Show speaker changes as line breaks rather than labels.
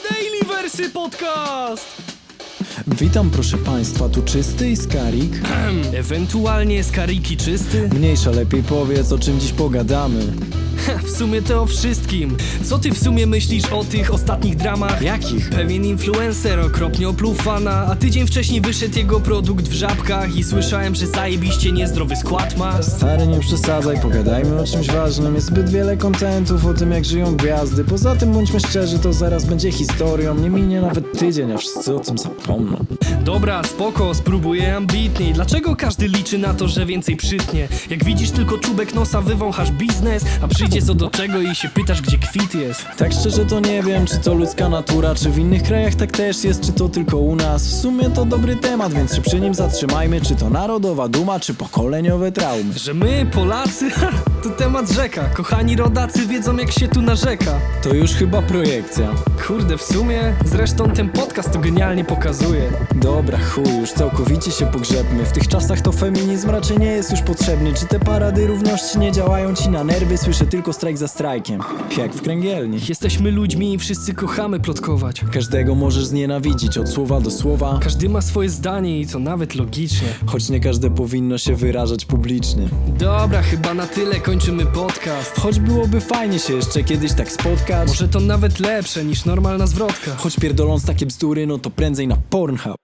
Dailyversy Podcast!
Witam proszę państwa, tu Czysty i Skarik.
Ewentualnie Skariki Czysty?
Mniejsza, lepiej powiedz, o czym dziś pogadamy.
W sumie to o wszystkim. Co ty w sumie myślisz o tych ostatnich dramach?
Jakich?
Pewien influencer okropnie opluł fana, a tydzień wcześniej wyszedł jego produkt w Żabkach i słyszałem, że zajebiście niezdrowy skład ma.
Stary, nie przesadzaj, pogadajmy o czymś ważnym. Jest zbyt wiele kontentów o tym, jak żyją gwiazdy. Poza tym, bądźmy szczerzy, to zaraz będzie historią. Nie minie nawet tydzień, a wszyscy o tym zapomną.
Dobra, spoko, spróbuję ambitniej. Dlaczego każdy liczy na to, że więcej przytnie? Jak widzisz tylko czubek nosa, wywąchasz biznes, a przyjdzie co do czego i się pytasz, gdzie kwit jest.
Tak szczerze to nie wiem, czy to ludzka natura, czy w innych krajach tak też jest, czy to tylko u nas. W sumie to dobry temat, więc się przy nim zatrzymajmy. Czy to narodowa duma, czy pokoleniowe traumy?
Że my, Polacy, to temat rzeka. Kochani rodacy wiedzą, jak się tu narzeka.
To już chyba projekcja.
Kurde, w sumie, zresztą ten podcast to genialnie pokazuje.
Dobra, chuj, już całkowicie się pogrzebmy. W tych czasach to feminizm raczej nie jest już potrzebny. Czy te parady równości nie działają ci na nerwy? Słyszę tylko strajk za strajkiem, jak w kręgielni.
Jesteśmy ludźmi i wszyscy kochamy plotkować.
Każdego możesz znienawidzić od słowa do słowa,
Każdy ma swoje zdanie i to nawet logicznie.
choć nie każde powinno się wyrażać publicznie.
Dobra, chyba na tyle, kończymy podcast.
Choć byłoby fajnie się jeszcze kiedyś tak spotkać.
Może to nawet lepsze niż normalna zwrotka.
Choć pierdoląc takie bzdury, no to prędzej na Pornhub.